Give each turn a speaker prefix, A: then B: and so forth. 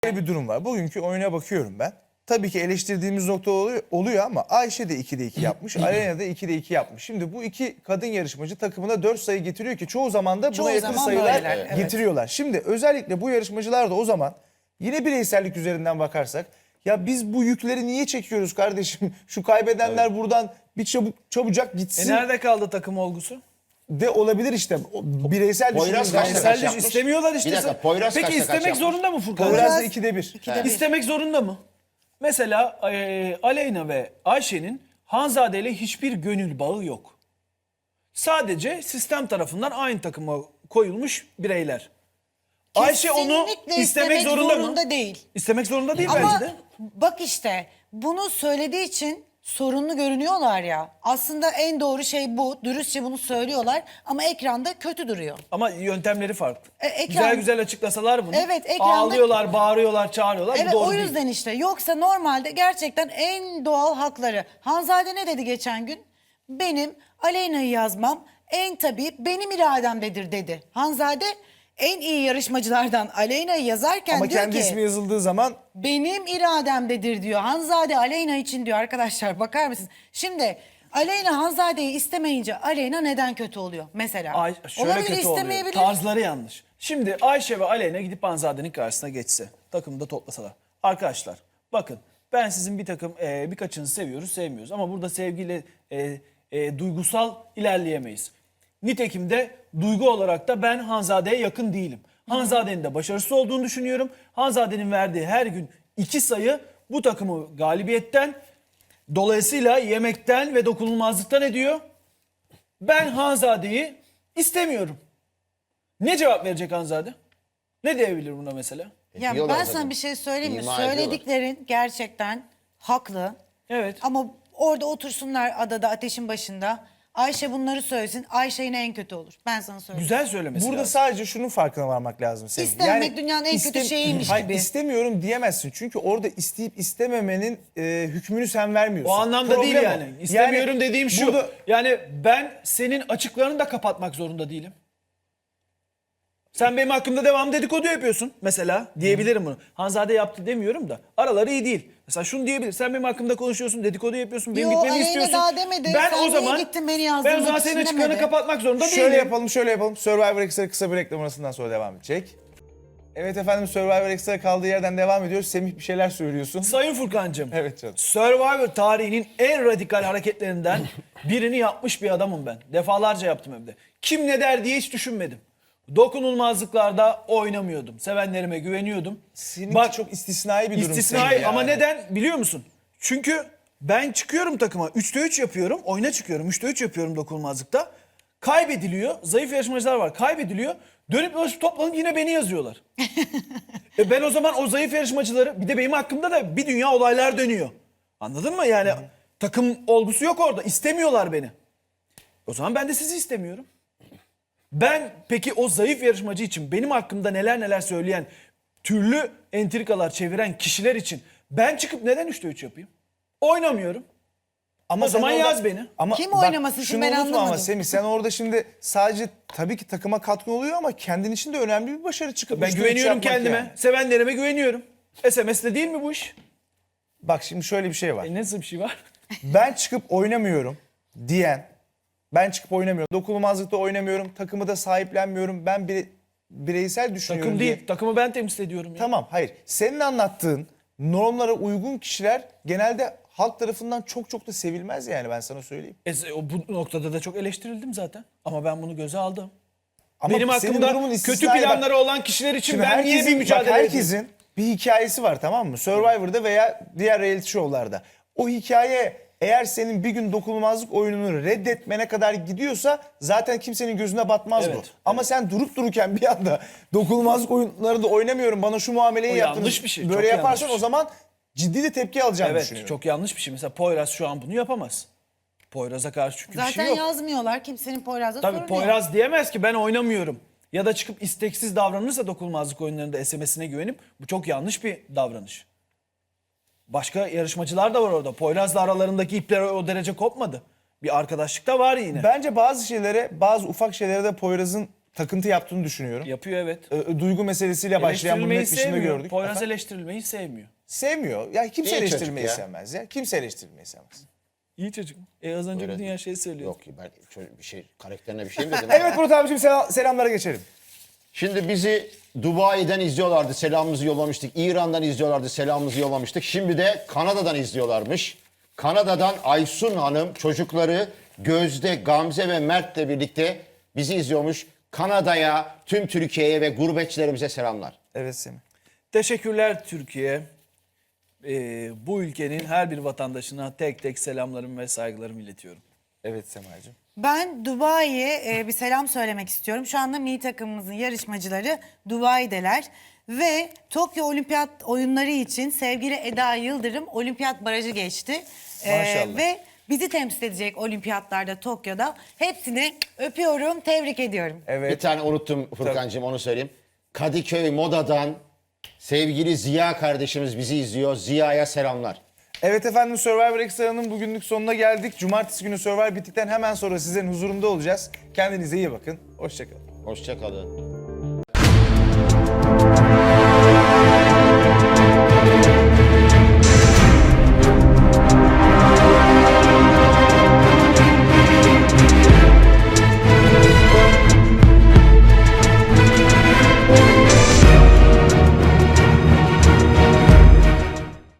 A: Böyle bir durum var. Bugünkü oyuna bakıyorum ben. Tabii ki eleştirdiğimiz nokta oluyor ama Ayşe de 2'de 2 yapmış. Aleyna da 2'de 2 yapmış. Şimdi bu iki kadın yarışmacı takımına 4 sayı getiriyor ki çoğu zaman da buna yakın sayılar
B: böyleler,
A: getiriyorlar. Şimdi özellikle bu yarışmacılar da o zaman yine bireysellik üzerinden bakarsak ya biz bu yükleri niye çekiyoruz kardeşim? Şu kaybedenler buradan bir çabucak gitsin
C: Nerede kaldı takım olgusu?
A: de olabilir işte. Bireysel
D: Poyraz
A: düşündüğümüz
D: kaçta
A: zaman.
D: kaç yapmış?
C: istemiyorlar işte.
D: Bir dakika, Poyraz
C: Peki
D: kaçta kaç
C: istemek
D: yapmış?
C: zorunda mı Furkan?
A: Poyraz da 2'de 1.
C: İstemek zorunda mı? Mesela Aleyna ve Ayşe'nin Hanzade ile hiçbir gönül bağı yok. Sadece sistem tarafından aynı takıma koyulmuş bireyler. Ayşe onu
B: Kesinlikle
C: istemek zorunda mı?
B: değil.
C: İstemek zorunda değil
B: Ama
C: bence de.
B: bak işte bunu söylediği için sorunlu görünüyorlar ya. Aslında en doğru şey bu. Dürüstçe bunu söylüyorlar ama ekranda kötü duruyor.
C: Ama yöntemleri farklı.
B: Ekran-
C: Güzel güzel açıklasalar bunu.
B: Evet, ekranda-
C: Ağlıyorlar, bağırıyorlar, çağırıyorlar. Bu
B: Evet
C: doğru
B: o
C: değil.
B: yüzden işte. Yoksa normalde gerçekten en doğal hakları. Hanzade ne dedi geçen gün? Benim Aleyna'yı yazmam en tabii benim irademdedir dedi. Hanzade en iyi yarışmacılardan Aleyna'yı yazarken
A: Ama
B: diyor
A: kendi
B: ki
A: ismi yazıldığı zaman
B: benim irademdedir diyor. Hanzade Aleyna için diyor arkadaşlar bakar mısınız? Şimdi Aleyna Hanzade'yi istemeyince Aleyna neden kötü oluyor mesela?
C: Şöyle
B: Olabilir,
C: kötü oluyor.
B: istemeyebilir.
C: Tarzları yanlış. Şimdi Ayşe ve Aleyna gidip Hanzade'nin karşısına geçse, takımda toplasalar. Arkadaşlar bakın ben sizin bir takım birkaçınızı seviyoruz, sevmiyoruz. Ama burada sevgiyle duygusal ilerleyemeyiz. Nitekim de duygu olarak da ben Hanzade'ye yakın değilim. Hanzade'nin de başarısız olduğunu düşünüyorum. Hanzade'nin verdiği her gün 2 sayı bu takımı galibiyetten, dolayısıyla yemekten ve dokunulmazlıktan ediyor. Ben Hanzade'yi istemiyorum. Ne cevap verecek Hanzade? Ne diyebilir buna mesela?
B: Ya
D: Diyorlar
B: ben
D: zaten.
B: sana bir şey söyleyeyim mi?
D: İma ediyorlar.
B: Söylediklerin gerçekten haklı.
C: Evet.
B: Ama orada otursunlar adada ateşin başında. Ayşe bunları söylesin. Ayşe yine en kötü olur. Ben sana söyleyeyim.
C: Güzel söylemesi
A: burada
C: lazım.
A: sadece şunun farkına varmak lazım senin.
B: İstememek dünyanın en kötü şeyiymiş
A: Hayır,
B: gibi.
A: istemiyorum diyemezsin. Çünkü orada isteyip istememenin hükmünü sen vermiyorsun.
C: O anlamda
A: Problem
C: değil
A: o.
C: yani. İstemiyorum dediğim şu.
A: burada-
C: Yani ben senin açıklarını da kapatmak zorunda değilim. Sen benim hakkımda devam dedikodu yapıyorsun mesela diyebilirim bunu. Hanzade yaptı demiyorum da araları iyi değil. Mesela şunu diyebilir. Sen benim hakkımda konuşuyorsun, dedikodu yapıyorsun, benim
B: Yo,
C: gitmemi
B: Aleyna
C: istiyorsun.
B: daha demedi.
C: Ben
B: Sen
C: o
B: niye
C: zaman
B: gittin beni
C: ben o
B: yazdırmak
C: zaman senin
B: için
C: açıklarını
B: demedi.
C: kapatmak zorunda değilim.
A: Şöyle yapalım. Survivor Extra kısa bir reklam arasından sonra devam edecek. Evet efendim, Survivor Extra kaldığı yerden devam ediyoruz. Semih bir şeyler söylüyorsun.
C: Sayın Furkancığım.
A: Evet canım.
C: Survivor tarihinin en radikal hareketlerinden birini yapmış bir adamım ben. Defalarca yaptım hem de. Kim ne der diye hiç düşünmedim. Dokunulmazlıklarda oynamıyordum. Sevenlerime güveniyordum.
A: Seninki çok istisnai bir durum.
C: İstisnai
A: Semih
C: ama
A: yani.
C: neden biliyor musun? Çünkü ben çıkıyorum takıma 3'te 3 yapıyorum. Oyuna çıkıyorum 3'te 3 yapıyorum dokunulmazlıkta. Kaybediliyor. Zayıf yarışmacılar var. Kaybediliyor. Dönüp dolaşıp toplanıp yine beni yazıyorlar. Ben o zaman o zayıf yarışmacıları bir de benim hakkımda da bir dünya olaylar dönüyor. Anladın mı? Yani takım olgusu yok orada. İstemiyorlar beni. O zaman ben de sizi istemiyorum. Ben peki o zayıf yarışmacı için benim hakkımda neler neler söyleyen, türlü entrikalar çeviren kişiler için ben çıkıp neden 3'te 3 yapayım? Oynamıyorum.
A: Ama
C: O zaman
A: sen orada-
C: yaz beni.
A: Ama
B: Kim
A: bak,
B: oynaması için
A: şunu
B: ben
A: unutma ama
B: anlamadım.
A: Semih, sen orada şimdi sadece tabii ki takıma katkı oluyor ama kendin için de önemli bir başarı çıkıp
C: Ben
A: üçte üç
C: güveniyorum
A: yapmak
C: kendime.
A: yani.
C: Sevenlerime güveniyorum. SMS'de değil mi bu iş?
A: Bak şimdi şöyle bir şey var.
C: Nasıl bir şey var?
A: Ben çıkıp oynamıyorum diyen, ben çıkıp oynamıyorum, dokunulmazlıkta oynamıyorum, takımı da sahiplenmiyorum, ben bireysel düşünüyorum
C: Takım
A: diye.
C: değil. Takımı ben temsil ediyorum ya.
A: Tamam, hayır. Senin anlattığın normlara uygun kişiler genelde halk tarafından çok çok da sevilmez yani, ben sana söyleyeyim.
C: Bu noktada da çok eleştirildim zaten. Ama ben bunu göze aldım.
A: Ama
C: Benim
A: senin
C: hakkımda
A: durumun
C: kötü
A: istisnai. Bak,
C: planları olan kişiler için
A: şimdi
C: ben niye bir mücadele
A: bak,
C: edeyim?
A: herkesin bir hikayesi var, tamam mı? Survivor'da veya diğer reality show'larda. O hikaye eğer senin bir gün dokunulmazlık oyununu reddetmene kadar gidiyorsa zaten kimsenin gözüne batmaz bu.
C: Evet,
A: Ama sen durup dururken bir anda dokunulmazlık oyunlarında oynamıyorum, bana şu muameleyi
C: O
A: yaptınız.
C: yanlış bir şey,
A: Böyle
C: çok
A: yaparsan
C: yanlış.
A: o zaman ciddi de tepki alacağını
C: Evet,
A: düşünüyorum.
C: çok yanlış bir şey. Mesela Poyraz şu an bunu yapamaz. Poyraz'a karşı çünkü bir
B: Zaten
C: şey yok.
B: yazmıyorlar. Kimsenin Poyraz'da
C: Tabii
B: sorunu
C: Poyraz
B: yok.
C: diyemez ki ben oynamıyorum. Ya da çıkıp isteksiz davranırsa dokunulmazlık oyunlarında SMS'ine güvenip bu çok yanlış bir davranış. Başka yarışmacılar da var orada. Poyraz'la aralarındaki ipler o derece kopmadı. Bir arkadaşlık da var yine.
A: Bence bazı şeylere, bazı ufak şeylere de Poyraz'ın takıntı yaptığını düşünüyorum.
C: Yapıyor evet.
A: Duygu meselesiyle başlayan bunu
C: Eleştirilmeyi
A: net dışında
C: sevmiyor.
A: gördük.
C: Poyraz
A: Efendim?
C: eleştirilmeyi sevmiyor.
A: Sevmiyor. Ya kimse
D: İyi çocuk
A: eleştirmeyi
D: ya.
A: sevmez ya. Kimse eleştirmeyi sevmez.
C: İyi çocuk. Az önce
D: Öyle
C: bir dünya
D: değil.
C: şey söylüyor.
D: Yok ki ben bir şey karakterine bir şey mi dedim?
A: Evet Murat abicim selamlara geçelim.
D: Şimdi bizi Dubai'den izliyorlardı, selamımızı yollamıştık. İran'dan izliyorlardı, selamımızı yollamıştık. Şimdi de Kanada'dan izliyorlarmış. Kanada'dan Aysun Hanım çocukları Gözde, Gamze ve Mert'le birlikte bizi izliyormuş. Kanada'ya, tüm Türkiye'ye ve gurbetçilerimize selamlar.
A: Evet Semih.
C: Teşekkürler Türkiye. Bu ülkenin her bir vatandaşına tek tek selamlarımı ve saygılarımı iletiyorum.
A: Evet Semacığım.
B: Ben Dubai'ye bir selam söylemek istiyorum. Şu anda milli takımımızın yarışmacıları Dubai'deler. Ve Tokyo Olimpiyat oyunları için sevgili Eda Yıldırım olimpiyat barajı geçti.
A: Maşallah.
B: Ve bizi temsil edecek olimpiyatlarda Tokyo'da. Hepsini öpüyorum, tebrik ediyorum.
D: Bir
A: Evet.
D: tane unuttum Furkan'cığım, onu söyleyeyim. Kadıköy Moda'dan sevgili Ziya kardeşimiz bizi izliyor. Ziya'ya selamlar.
A: Evet efendim, Survivor Extra'nın bugünlük sonuna geldik. Cumartesi günü Survivor bittikten hemen sonra sizlerin huzurunda olacağız. Kendinize iyi bakın. Hoşçakalın.
D: Hoşça kalın.